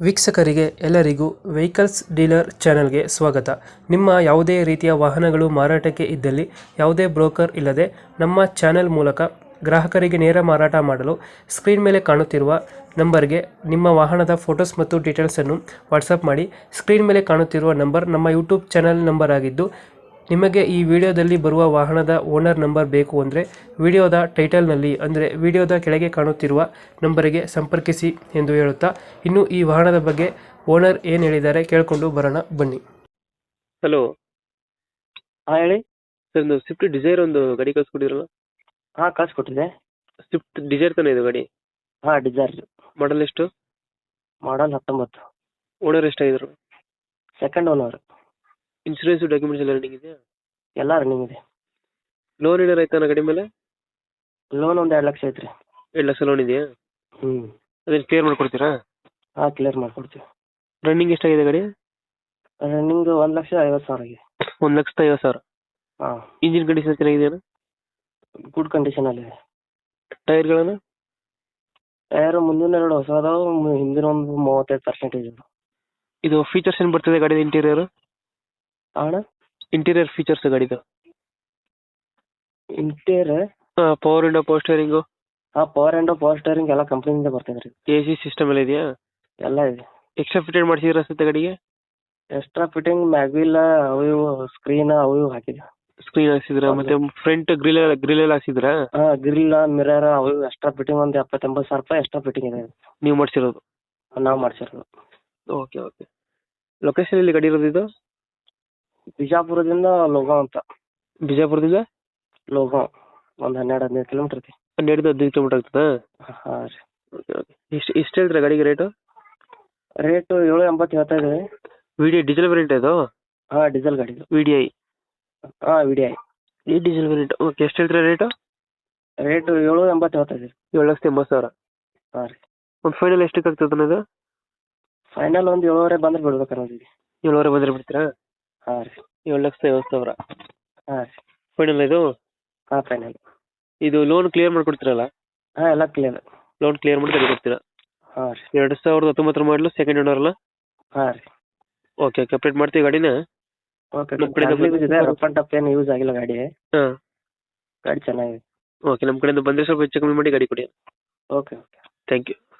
ವೀಕ್ಷಕರಿಗೆ ಎಲ್ಲರಿಗೂ vehicles dealer ಚಾನೆಲ್ಗೆ ಸ್ವಾಗತ. ನಿಮ್ಮ ಯಾವುದೇ ರೀತಿಯ ವಾಹನಗಳು ಮಾರಾಟಕ್ಕೆ ಇದ್ದಲ್ಲಿ ಯಾವುದೇ ಬ್ರೋಕರ್ ಇಲ್ಲದೆ ನಮ್ಮ ಚಾನೆಲ್ ಮೂಲಕ ಗ್ರಾಹಕರಿಗೆ ನೇರ ಮಾರಾಟ ಮಾಡಲು ಸ್ಕ್ರೀನ್ ಮೇಲೆ ಕಾಣುತ್ತಿರುವ ನಂಬರ್ಗೆ ನಿಮ್ಮ ವಾಹನದ ಫೋಟೋಸ್ ಮತ್ತು ಡೀಟೇಲ್ಸನ್ನು ವಾಟ್ಸಪ್ ಮಾಡಿ. ಸ್ಕ್ರೀನ್ ಮೇಲೆ ಕಾಣುತ್ತಿರುವ ನಂಬರ್ ನಮ್ಮ ಯೂಟ್ಯೂಬ್ ಚಾನೆಲ್ ನಂಬರ್ ಆಗಿದ್ದು, ನಿಮಗೆ ಈ ವಿಡಿಯೋದಲ್ಲಿ ಬರುವ ವಾಹನದ ಓನರ್ ನಂಬರ್ ಬೇಕು ಅಂದರೆ ವಿಡಿಯೋದ ಟೈಟಲ್ನಲ್ಲಿ ಅಂದರೆ ವಿಡಿಯೋದ ಕೆಳಗೆ ಕಾಣುತ್ತಿರುವ ನಂಬರಿಗೆ ಸಂಪರ್ಕಿಸಿ ಎಂದು ಹೇಳುತ್ತಾ, ಇನ್ನು ಈ ವಾಹನದ ಬಗ್ಗೆ ಓನರ್ ಏನು ಹೇಳಿದ್ದಾರೆ ಕೇಳಿಕೊಂಡು ಬರೋಣ ಬನ್ನಿ. ಹಲೋ, ಹಾಂ ಹೇಳಿ. ಸರ್ ಒಂದು ಸ್ವಿಫ್ಟ್ ಡಿಸೈರ್ ಒಂದು ಗಾಡಿ ಕಳಿಸ್ಕೊಟ್ಟಿದ್ರಲ್ಲ? ಹಾಂ ಕಳಿಸ್ಕೊಟ್ಟಿದ್ದೆ. ಸ್ವಿಫ್ಟ್ ಡಿಸೈರ್ ತಾನೇ ಇದು ಗಾಡಿ? ಹಾಂ ಡಿಸೈರ್. ಮಾಡಲ್ ಎಷ್ಟು? ಮಾಡಲ್ 19. ಓನರ್ ಎಷ್ಟಾಗಿದ್ರು? Second owner. ಇನ್ಶೂರೆನ್ಸ್ ಡಾಕ್ಯುಮೆಂಟ್ಸ್ ಎಲ್ಲ ರನ್ನಿಂಗ್ ಇದೆಯಾ? ಎಲ್ಲ ರನ್ನಿಂಗ್ ಇದೆ. ಲೋನ್ ಏನಾರು ಆಯ್ತಾನ ಗಾಡಿ ಮೇಲೆ? ಲೋನ್ ಒಂದು 2 ಲಕ್ಷ ಐತ್ರಿ. 2 ಲಕ್ಷ ಲೋನ್ ಇದೆಯಾ? ಹ್ಞೂ. ಅದೇನು ಕ್ಲಿಯರ್ ಮಾಡ್ಕೊಡ್ತೀರಾ? ಹಾಂ ಕ್ಲಿಯರ್ ಮಾಡ್ಕೊಡ್ತೀವಿ. ರನ್ನಿಂಗ್ ಎಷ್ಟಾಗಿದೆ ಗಾಡಿ? ರನ್ನಿಂಗ್ 1,50,000 ಆಗಿದೆ. 1,50,000. ಹಾಂ. ಇಂಜಿನ್ ಕಂಡೀಷನ್ ಚೆನ್ನಾಗಿದೆಯಾ? ಗುಡ್ ಕಂಡೀಷನಲ್ಲಿದೆ. ಟೈರ್ಗಳನ್ನು? ಟೈರ್ ಮುಂದಿನ 2 ಹೊಸ ಅದಾವು, ಹಿಂದಿನ ಒಂದು 35% ಇದೆ. ಇದು ಫೀಚರ್ಸ್ ಏನು ಬರ್ತದೆ ಗಾಡಿದ ಇಂಟೀರಿಯರ್? ಅಣ್ಣ ಇಂಟೀರಿಯರ್ ಫೀಚರ್ಸ್ ಗಾಡಿದು? Interior power window, power steering? ಹಾಂ ಪವರ್ ಆ್ಯಂಡ್ ಪವರ್ ಸ್ಟೇರಿಂಗ್ ಎಲ್ಲ ಕಂಪ್ನಿಯಿಂದ ಬರ್ತದೆ ರೀ. ಎ ಸಿ ಸಿಸ್ಟಮ್ ಎಲ್ಲ ಇದೆಯಾ? ಎಲ್ಲ ಇದೆ. ಎಕ್ಸ್ಟ್ರಾ ಫಿಟೆಡ್ ಮಾಡಿಸಿದ್ರೆ ಅನ್ಸುತ್ತೆ ಗಾಡಿಗೆ? ಎಕ್ಸ್ಟ್ರಾ ಫಿಟ್ಟಿಂಗ್ ಮ್ಯಾಗ್ವಿಲ್ ಅವು ಇವು ಸ್ಕ್ರೀನ್ ಅವು ಇವು ಹಾಕಿದೆ. ಸ್ಕ್ರೀನ್ ಹಾಕ್ಸಿದ್ರ? ಮತ್ತೆ ಫ್ರಂಟ್ ಗ್ರಿಲ್ ಎಲ್ಲ ಹಾಕ್ಸಿದ್ರ? ಹಾಂ ಗ್ರಿಲ್ ಮಿರರ್ ಅವು ಇವು ಎಕ್ಸ್ಟ್ರಾ ಫಿಟ್ಟಿಂಗ್ ಒಂದು 70,000-80,000 ರೂಪಾಯಿ ಎಕ್ಸ್ಟ್ರಾ ಫಿಟ್ಟಿಂಗ್ ಇದೆ. ನೀವು ಮಾಡಿಸಿರೋದು? ನಾವು ಮಾಡಿಸಿರೋದು. Okay okay. ಲೊಕೇಶನ್ ಎಲ್ಲಿ ಗಾಡಿ ಇರೋದು ಇದು? ಬಿಜಾಪುರದಿಂದ ಲೋಗಾಂವ್ ಅಂತ. ಬಿಜಾಪುರದಿಂದ ಲೋಗಾಂವ್ ಒಂದು 12-15 ಕಿಲೋಮೀಟರ್ ಐತಿ. 12-15 ಕಿಲೋಮೀಟರ್ ಆಗ್ತದಾ? ಹಾಂ ರೀ. Okay okay. ಎಷ್ಟು ಹೇಳ್ತೀರಾ ಗಾಡಿಗೆ ರೇಟು? ರೇಟು 780 ಹೇಳ್ತಾ ಇದ್ದೀವಿ. ಡೀಸೆಲ್ ವೇರಿಯಂಟ್ ಇದು? ಹಾಂ ಡೀಸೆಲ್ ಗಾಡಿ ಇದು. VDI? ಹಾಂ VDI. ಈ ಡೀಸೆಲ್ ವೇರಿಯಂಟ್. ಓಕೆ. ಎಷ್ಟು ಹೇಳ್ತೀರಾ ರೇಟು? ರೇಟು 780 ಹೇಳ್ತಾ ಇದ್ದೀವಿ. 7,80,000. ಹಾಂ ರೀ. ಒಂದು ಫೈನಲ್ ಎಷ್ಟಕ್ಕೆ ಆಗ್ತದೆ ಅದು? ಫೈನಲ್ ಒಂದು 7.5 ಬಂದ್ರೆ ಬಿಡ್ಬೇಕು ಅನ್ನೋದಿದೆ. 7.5 ಬಂದರೆ ಬಿಡ್ತೀರಾ? ಹಾಂ ರೀ. 7,50,000. ಹಾಂ ರೀ. ಫೈನಲ್ ಇದು? ಹಾಂ ಫೈನಲ್. ಇದು ಲೋನ್ ಕ್ಲಿಯರ್ ಮಾಡ್ಕೊಡ್ತೀರಲ್ಲ? ಹಾಂ ಎಲ್ಲ ಕ್ಲಿಯರ್. ಲೋನ್ ಕ್ಲಿಯರ್ ಮಾಡಿ ಗಾಡಿ ಕೊಡ್ತೀರಾ? ಹಾಂ ರೀ. 2019 ಮಾಡಲು ಸೆಕೆಂಡ್ ಓನರ್ ಅಲ್ಲ? ಹಾಂ ರೀ. Okay okay. ಅಪ್ಡೇಟ್ ಮಾಡ್ತೀವಿ ಗಾಡಿನ. ಓಕೆ. ನಮ್ಮ ಕಡೆಯಿಂದ ರಫ್ ಆ್ಯಂಡ್ ಟಫ್ ಏನು ಯೂಸ್ ಆಗಿಲ್ಲ ಗಾಡಿ. ಹಾಂ. ಗಾಡಿ ಚೆನ್ನಾಗಿದೆ. ಓಕೆ. ನಮ್ಮ ಕಡೆಯಿಂದ ಬಂದರೆ ಸ್ವಲ್ಪ ಹೆಚ್ಚು ಕಮ್ಮಿ ಮಾಡಿ ಗಾಡಿ ಕೊಡಿ. Okay okay. Thank you.